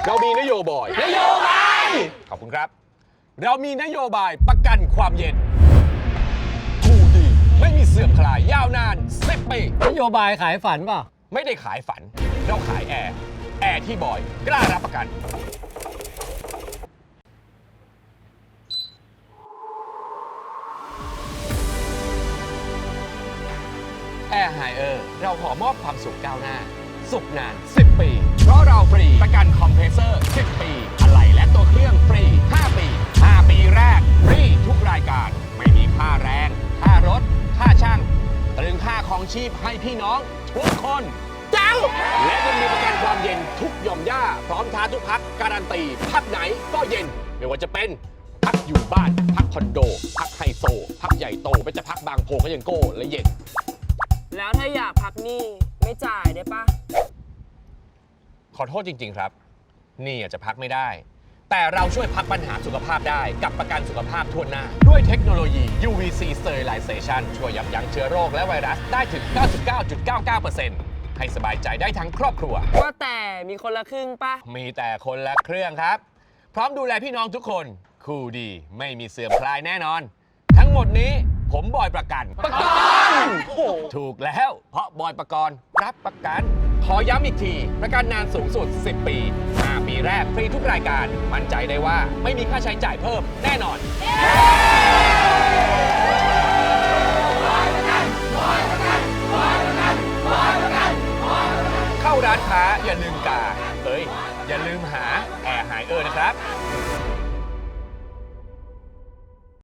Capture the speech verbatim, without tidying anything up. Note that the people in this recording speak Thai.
เรามีนโยบายนโยบายขอบคุณครับเรามีนโยบายประกันความเย็นกูดีไม่มีเสื่อมคลายยาวนานสิบปีนโยบายขายฝันเปล่าไม่ได้ขายฝันเราขายแอร์แอร์ที่บอยกล้ารับประกันแอร์ไฮเออร์เราขอมอบความสุขก้าวหน้าสุขนานสิบปีเพราะเราฟรีประกันคอมเพรสเซอร์สิบปีอะไหล่และตัวเครื่องฟรีห้าปีห้าปีแรกฟรีทุกรายการไม่มีค่าแรงค่ารถค่าช่างตรึงค่าของชีพให้พี่น้องทุกคนเจ้าและยังมีประกันความเย็นทุกหย่อมย่าพร้อมท้าทุกพักการันตีพักไหนก็เย็นไม่ว่าจะเป็นพักอยู่บ้านพักคอนโดพักไฮโซพักใหญ่โตไม่จะพักบางโพก็ยังโก้และเย็นแล้วถ้าอยากพักหนี้ไม่จ่ายได้ปะขอโทษจริงๆครับหนี่อาจจะพักไม่ได้แต่เราช่วยพักปัญหาสุขภาพได้กับประกันสุขภาพทั่วหน้าด้วยเทคโนโลยี ยู วี ซี Sterilization ช่วยยับยั้งเชื้อโรคและไวรัสได้ถึง เก้าสิบเก้าจุดเก้าเก้าเปอร์เซ็นต์ ให้สบายใจได้ทั้งครอบครัวว่าแต่มีคนละครึ่งปะมีแต่คนละเครื่องครับพร้อมดูแลพี่น้องทุกคนคู่ดีไม่มีเสื่อมคลายแน่นอนทั้งหมดนี้ผมบอยประกันประกันถูกแล้วเพราะบอยประกันรับประกันขอย้ำอีกทีประกันนานสูงสุดสิบปีห้าปีแรกฟรีทุกรายการมั่นใจได้ว่าไม่มีค่าใช้จ่ายเพิ่มแน่นอน